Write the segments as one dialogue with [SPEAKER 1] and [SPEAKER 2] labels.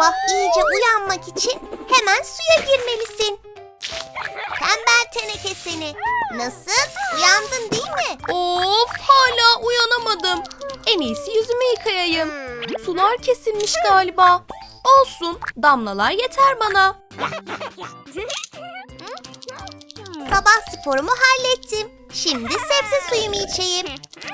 [SPEAKER 1] sabah iyice uyanmak için hemen suya girmelisin. Tembel teneke seni. Nasıl? Uyandın değil mi?
[SPEAKER 2] Of, hala uyanamadım. En iyisi yüzümü yıkayayım. Sular kesilmiş galiba. Olsun, damlalar yeter bana.
[SPEAKER 1] Sabah sporumu hallettim. Şimdi sebze suyumu içeyim.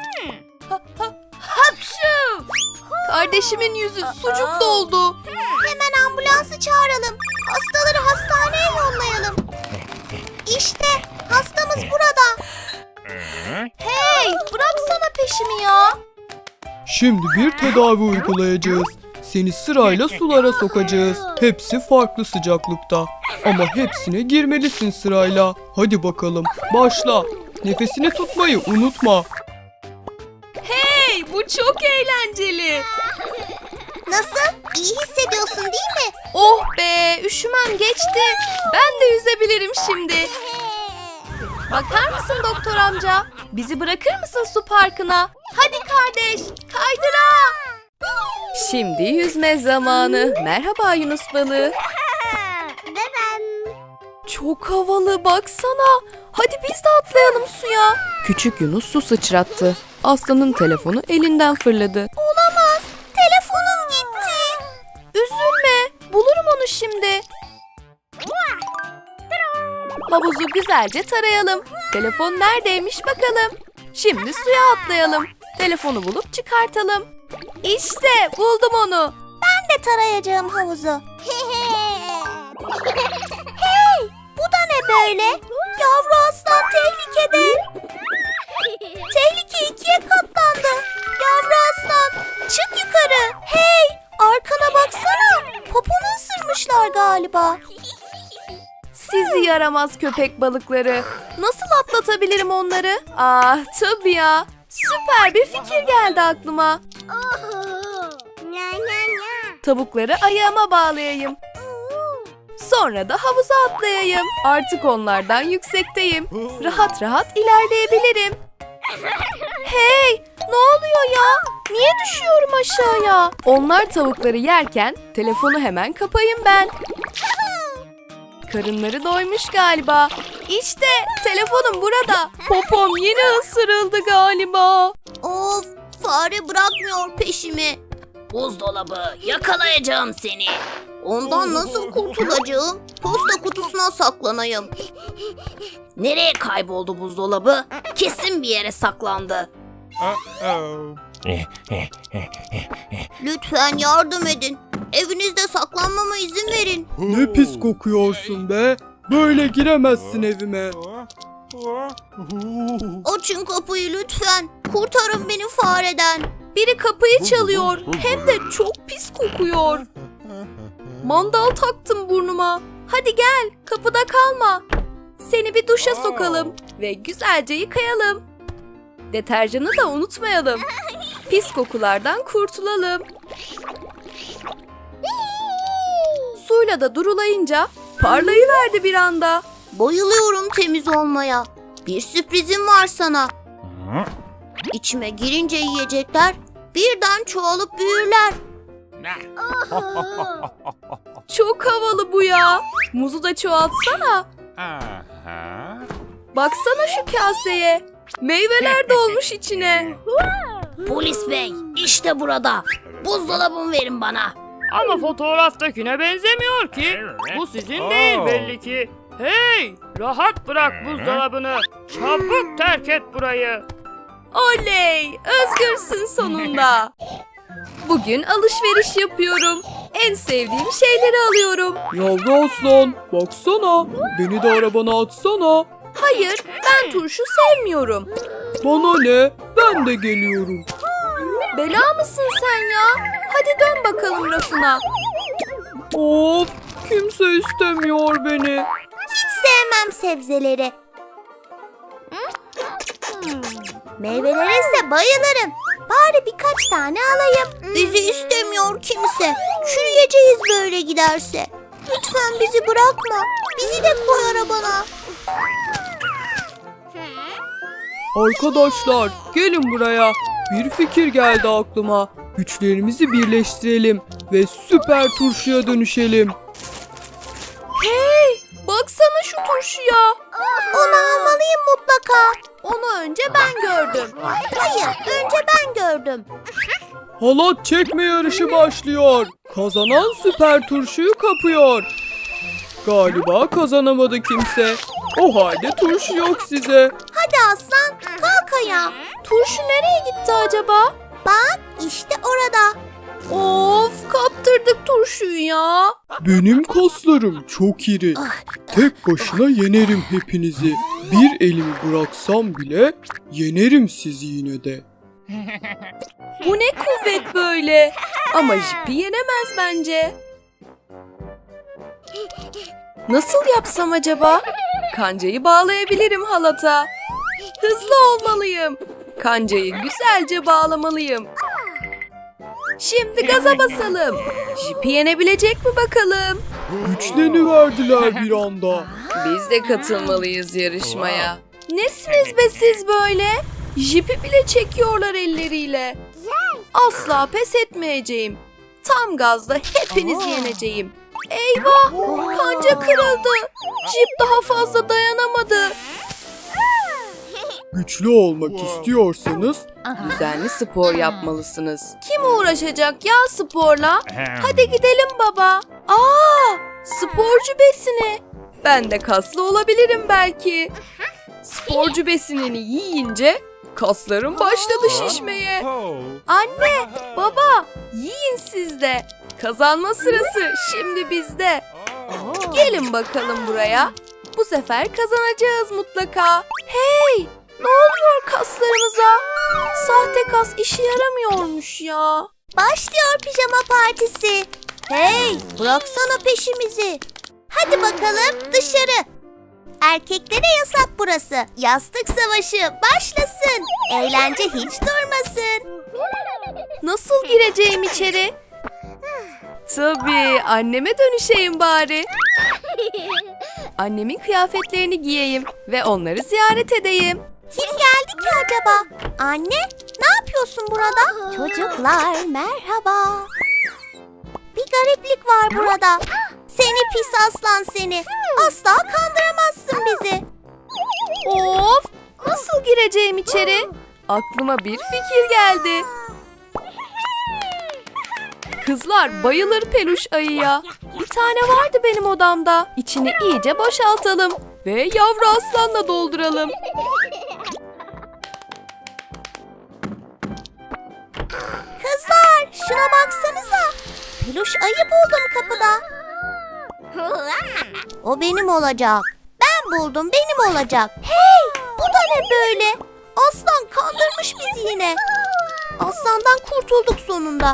[SPEAKER 2] Hapşu! Kardeşimin yüzü sucuk doldu.
[SPEAKER 1] Hemen ambulansı çağıralım. Hastaları hastaneye yollayalım. İşte hastamız burada.
[SPEAKER 2] Hey, bıraksana peşimi ya.
[SPEAKER 3] Şimdi bir tedavi uygulayacağız. Seni sırayla sulara sokacağız. Hepsi farklı sıcaklıkta. Ama hepsine girmelisin sırayla. Hadi bakalım, başla. Nefesini tutmayı unutma.
[SPEAKER 2] Hey, bu çok eğlenceli.
[SPEAKER 1] Nasıl? İyi hissediyorsun değil mi?
[SPEAKER 2] Oh be, üşümem geçti. Ben de yüzebilirim şimdi. Bakar mısın doktor amca? Bizi bırakır mısın su parkına? Hadi kardeş, kaydıra. Şimdi yüzme zamanı. Merhaba Yunus balığı. Çok havalı, baksana. Hadi biz de atlayalım suya. Küçük Yunus su sıçrattı. Aslanın telefonu elinden fırladı.
[SPEAKER 1] Olamaz. Telefonum gitti.
[SPEAKER 2] Üzülme, bulurum onu şimdi. Havuzu güzelce tarayalım. Telefon neredeymiş bakalım. Şimdi suya atlayalım. Telefonu bulup çıkartalım. İşte buldum onu.
[SPEAKER 1] Ben de tarayacağım havuzu. Hey, bu da ne böyle? Yavru aslan tehlikede. Tehlike ikiye katlandı. Yavru aslan, çık yukarı. Hey, arkana baksana. Poponu ısırmışlar galiba.
[SPEAKER 2] Sizi yaramaz köpek balıkları. Nasıl atlatabilirim onları? Ah tabii ya. Süper bir fikir geldi aklıma. Tavukları ayağıma bağlayayım. Sonra da havuza atlayayım. Artık onlardan yüksekteyim. Rahat rahat ilerleyebilirim. Hey, ne oluyor ya? Niye düşüyorum aşağıya? Onlar tavukları yerken telefonu hemen kapayım ben. Karınları doymuş galiba. İşte telefonum burada. Popom yine ısırıldı galiba.
[SPEAKER 1] Of, fare bırakmıyor peşimi.
[SPEAKER 4] Buzdolabı, yakalayacağım seni.
[SPEAKER 1] Ondan nasıl kurtulacağım? Posta kutusuna saklanayım.
[SPEAKER 4] Nereye kayboldu buzdolabı? Kesin bir yere saklandı.
[SPEAKER 1] Lütfen yardım edin. Evinizde saklanmama izin verin.
[SPEAKER 3] Ne pis kokuyorsun be. Böyle giremezsin evime.
[SPEAKER 1] Açın kapıyı lütfen. Kurtarın beni fareden.
[SPEAKER 2] Biri kapıyı çalıyor. Hem de çok pis kokuyor. Mandal taktım burnuma. Hadi gel, kapıda kalma. Seni bir duşa sokalım ve güzelce yıkayalım. Deterjanı da unutmayalım. Pis kokulardan kurtulalım. Suyla da durulayınca parlayıverdi bir anda.
[SPEAKER 1] Bayılıyorum temiz olmaya. Bir sürprizim var sana. İçime girince yiyecekler birden çoğalıp büyürler.
[SPEAKER 2] Çok havalı bu ya. Muzu da çoğaltsana. Baksana şu kaseye. Meyveler dolmuş içine.
[SPEAKER 4] Polis bey, işte burada. Buzdolabımı verin bana.
[SPEAKER 5] Ama fotoğraftakine benzemiyor ki. Bu sizin değil belli ki. Hey, rahat bırak buzdolabını. Çabuk terk et burayı.
[SPEAKER 2] Oley! Özgürsün sonunda. Bugün alışveriş yapıyorum. En sevdiğim şeyleri alıyorum.
[SPEAKER 3] Yavru aslan, baksana. Beni de arabana atsana.
[SPEAKER 2] Hayır, ben turşu sevmiyorum.
[SPEAKER 3] Bana ne? Ben de geliyorum.
[SPEAKER 2] Bela mısın sen ya? Hadi dön bakalım rafına.
[SPEAKER 3] Of, kimse istemiyor beni.
[SPEAKER 1] Hiç sevmem sebzeleri. Meyvelere ise bayılırım. Bari birkaç tane alayım. Bizi istemiyor kimse. Çürüyeceğiz böyle giderse. Lütfen bizi bırakma. Bizi de koy arabana.
[SPEAKER 3] Arkadaşlar, gelin buraya. Bir fikir geldi aklıma. Güçlerimizi birleştirelim. ve süper turşuya dönüşelim.
[SPEAKER 2] Hey, baksana şu turşuya.
[SPEAKER 1] Onu almalıyım mutlaka.
[SPEAKER 2] Onu önce ben gördüm.
[SPEAKER 1] Hayır, önce ben gördüm.
[SPEAKER 3] Halat çekme yarışı başlıyor. Kazanan süper turşuyu kapıyor. Galiba kazanamadı kimse. O halde turşu yok size.
[SPEAKER 1] Hadi aslan, kalk ayağa.
[SPEAKER 2] Turşu nereye gitti acaba?
[SPEAKER 1] Bak, işte orada.
[SPEAKER 2] Of, kaptırdık turşuyu ya.
[SPEAKER 3] Benim kaslarım çok iri. Tek başına yenerim hepinizi. Bir elimi bıraksam bile yenerim sizi yine de.
[SPEAKER 2] Bu ne kuvvet böyle? Ama Jipi yenemez bence. Nasıl yapsam acaba? Kancayı bağlayabilirim halata. Hızlı olmalıyım. Kancayı güzelce bağlamalıyım. Şimdi gaza basalım. Jipi yenebilecek mi bakalım?
[SPEAKER 3] Güçleniverdiler bir anda.
[SPEAKER 2] Biz de katılmalıyız yarışmaya. Nesiniz be siz böyle? Jipi bile çekiyorlar elleriyle. Asla pes etmeyeceğim. Tam gazla hepinizi yeneceğim. Eyvah! Kanca kırıldı. Jip daha fazla dayanamadı.
[SPEAKER 3] Güçlü olmak istiyorsanız
[SPEAKER 2] Düzenli spor yapmalısınız. Kim uğraşacak ya sporla? Hadi gidelim baba. Sporcu besini. Ben de kaslı olabilirim belki. Sporcu besinini yiyince kaslarım başladı şişmeye. Anne, baba, yiyin siz de. Kazanma sırası şimdi bizde. Gelin bakalım buraya. Bu sefer kazanacağız mutlaka. Hey! Ne oluyor kaslarımıza? Sahte kas işe yaramıyormuş ya.
[SPEAKER 1] Başlıyor pijama partisi. Hey, bıraksana peşimizi. Hadi bakalım dışarı. Erkeklere yasak burası. Yastık savaşı başlasın. Eğlence hiç durmasın.
[SPEAKER 2] Nasıl gireceğim içeri? Tabii, anneme dönüşeyim bari. Annemin kıyafetlerini giyeyim ve onları ziyaret edeyim.
[SPEAKER 1] Kim geldi ki acaba? Anne, ne yapıyorsun burada? Çocuklar merhaba. Bir gariplik var burada. Seni pis aslan seni. Asla kandıramazsın bizi.
[SPEAKER 2] Of! Nasıl gireceğim içeri? Aklıma bir fikir geldi. Kızlar bayılır peluş ayıya. Bir tane vardı benim odamda. İçini iyice boşaltalım ve yavru aslanla dolduralım.
[SPEAKER 1] Kızlar, şuna baksanıza. Peluş ayı buldum kapıda. O benim olacak. Ben buldum, benim olacak. Hey, bu da ne böyle? Aslan kandırmış bizi yine. Aslandan kurtulduk sonunda.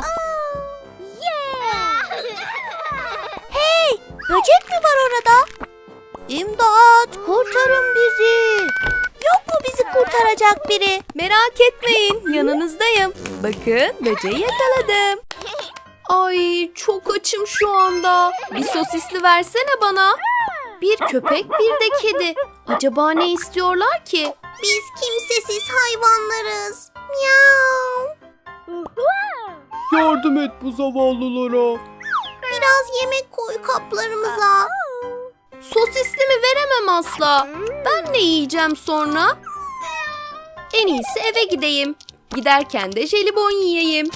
[SPEAKER 1] Hey, böcek mi var orada? İmdat, kurtarın bizi. Yok mu bizi kurtaracak biri?
[SPEAKER 2] Merak etmeyin, yanınızdayım. Bakın, böceği yakaladım. Ay, çok açım şu anda. Bir sosisli versene bana. Bir köpek, bir de kedi. Acaba ne istiyorlar ki?
[SPEAKER 1] Biz kimsesiz hayvanlarız. Miau.
[SPEAKER 3] yardım et bu zavallılara.
[SPEAKER 1] Biraz yemek koy kaplarımıza.
[SPEAKER 2] Sosisli mi veremem asla. Ben ne yiyeceğim sonra? En iyisi eve gideyim. Giderken de jelibon yiyeyim.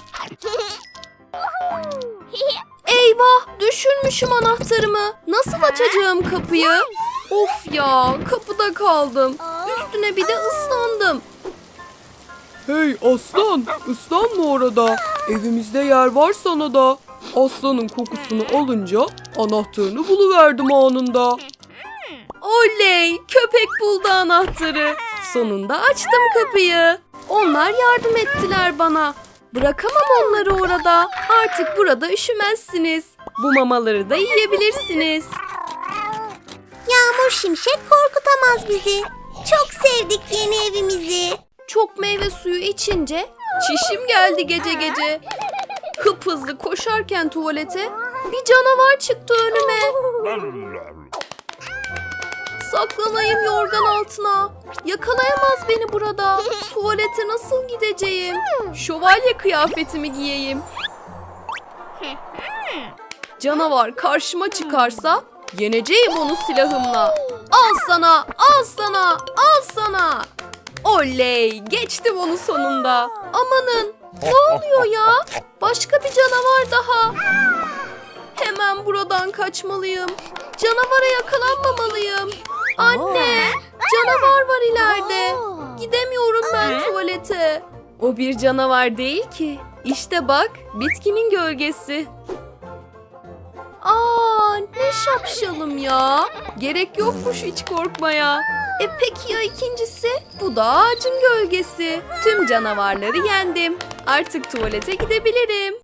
[SPEAKER 2] Eyvah, düşürmüşüm anahtarımı. Nasıl açacağım kapıyı? Of ya, kapıda kaldım. Üstüne bir de ıslandım.
[SPEAKER 3] Hey aslan, ıslanma orada. Evimizde yer var sana da. Aslanın kokusunu alınca anahtarını buluverdim anında.
[SPEAKER 2] Oley, köpek buldu anahtarı. Sonunda açtım kapıyı. Onlar yardım ettiler bana. Bırakamam onları orada. Artık burada üşümezsiniz. Bu mamaları da yiyebilirsiniz.
[SPEAKER 1] Yağmur şimşek korkutamaz bizi. Çok sevdik yeni evimizi.
[SPEAKER 2] Çok meyve suyu içince çişim geldi gece gece. Hıphızlı koşarken tuvalete bir canavar çıktı önüme. Saklanayım yorgan altına. Yakalayamaz beni burada. Tuvalete nasıl gideceğim? Şövalye kıyafetimi giyeyim. Canavar karşıma çıkarsa yeneceğim onu silahımla. Al sana, al sana, al sana. Oley, geçtim onu sonunda. Amanın, ne oluyor ya? Başka bir canavar daha. Hemen buradan kaçmalıyım. Canavara yakalanmamalıyım. Anne, canavar var ileride. Gidemiyorum ben tuvalete. O bir canavar değil ki. İşte bak, bitkinin gölgesi. Aa, ne şapşalım ya. Gerek yokmuş hiç korkmaya. Peki ya ikincisi? Bu da ağacın gölgesi. Tüm canavarları yendim. Artık tuvalete gidebilirim.